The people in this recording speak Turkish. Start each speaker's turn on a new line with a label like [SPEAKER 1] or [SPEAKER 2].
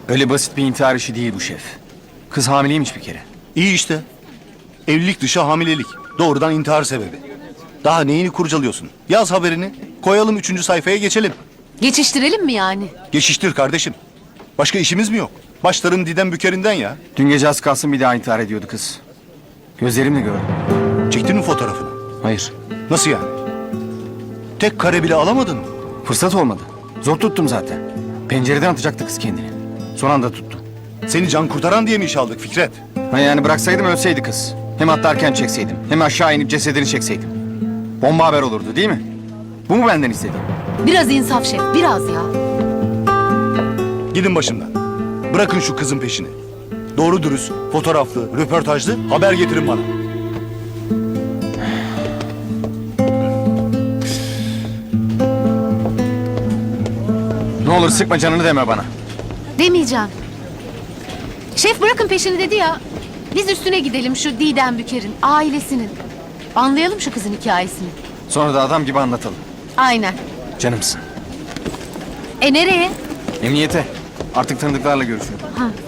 [SPEAKER 1] Öyle basit bir intihar işi değil bu şef. Kız hamileymiş bir kere.
[SPEAKER 2] İyi işte. Evlilik dışı hamilelik. Doğrudan intihar sebebi. Daha neyini kurcalıyorsun? Yaz haberini. Koyalım 3. sayfaya geçelim.
[SPEAKER 3] Geçiştirelim mi yani?
[SPEAKER 2] Geçiştir kardeşim. Başka işimiz mi yok? Başların Didem Bükeri'nden ya.
[SPEAKER 1] Dün gece az kalsın bir daha intihar ediyordu kız. Gözlerimle gördüm.
[SPEAKER 2] Çektin mi fotoğrafını?
[SPEAKER 1] Hayır.
[SPEAKER 2] Nasıl yani? Tek kare bile alamadın mı?
[SPEAKER 1] Fırsat olmadı. Zor tuttum zaten. Pencereden atacaktı kız kendini. Son anda tuttum.
[SPEAKER 2] Seni can kurtaran diye mi iş aldık Fikret?
[SPEAKER 1] Ha yani bıraksaydım ölseydi kız. Hem atlarken çekseydim. Hem aşağı inip cesedini çekseydim. Bomba haber olurdu değil mi? Bu mu benden istediğin?
[SPEAKER 3] Biraz insaf şef, biraz ya.
[SPEAKER 2] Gidin başımdan. Bırakın şu kızın peşini. Doğru dürüst, fotoğraflı, röportajlı haber getirin bana.
[SPEAKER 1] Ne olur sıkma canını deme bana.
[SPEAKER 3] Demeyeceğim. Şef bırakın peşini dedi ya. Biz üstüne gidelim şu Didem Büker'in, ailesinin. Anlayalım şu kızın hikayesini.
[SPEAKER 1] Sonra da adam gibi anlatalım.
[SPEAKER 3] Aynen.
[SPEAKER 1] Canımsın.
[SPEAKER 3] Nereye?
[SPEAKER 1] Emniyete. Artık tanıdıklarla görüşüyorum.
[SPEAKER 3] Ha.